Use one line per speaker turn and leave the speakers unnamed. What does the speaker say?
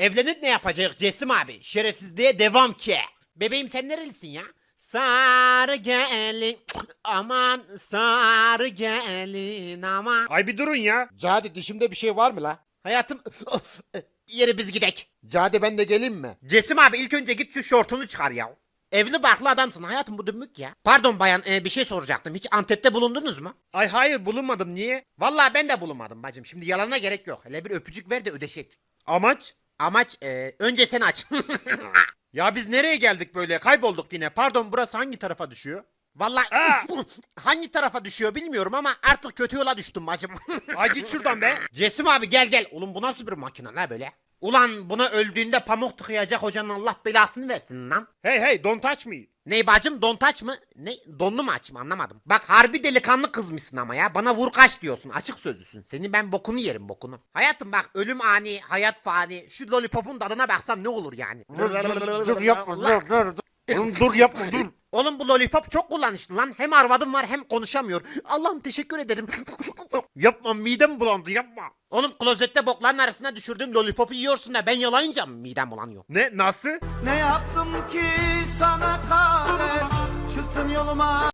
Evlenip ne yapacak Cesim abi? Şerefsizliğe devam ki. Bebeğim sen nerelisin ya? Sarı gelin aman sarı gelin aman.
Ay bir durun ya.
Cadi dişimde bir şey var mı la?
Hayatım yeri biz gidek.
Cadi ben de geleyim mi?
Cesim abi ilk önce git şu şortunu çıkar ya. Evli barklı adamsın hayatım bu dümbük ya. Pardon bayan bir şey soracaktım. Hiç Antep'te bulundunuz mu?
Ay hayır bulunmadım, niye?
Vallahi ben de bulunmadım bacım. Şimdi yalana gerek yok. Hele bir öpücük ver de ödeşek.
Amaç?
Amaç önce sen aç.
Ya biz nereye geldik böyle? Kaybolduk yine. Pardon, burası hangi tarafa düşüyor?
Vallahi
Aa!
hangi tarafa düşüyor bilmiyorum ama artık kötü yola düştüm bacım.
Ay git şuradan be.
Cesim abi gel gel. Oğlum bu nasıl bir makine la böyle? Ulan buna öldüğünde pamuk tıkayacak hocanın Allah belasını versin lan.
Hey hey, don't touch me.
Ney bacım don taç mı? Ne donlu mu açayım anlamadım. Bak harbi delikanlı kızmışsın ama ya. Bana vur kaç diyorsun. Açık sözlüsün. Senin ben bokunu yerim bokunu. Hayatım bak ölüm ani, hayat fani. Şu lollipopun tadına baksam ne olur yani.
Dur yapma dur. Oğlum dur yapma dur.
Oğlum bu lollipop çok kullanışlı lan. Hem arvadım var hem konuşamıyor. Allah'ım teşekkür ederim.
Yapma, midem bulandı, yapma.
Oğlum klozette bokların arasına düşürdüğüm lollipopu yiyorsun da ben yalayınca mı midem bulanıyor?
Ne, nasıl?
Ne yaptım ki sana kader çıktın yoluma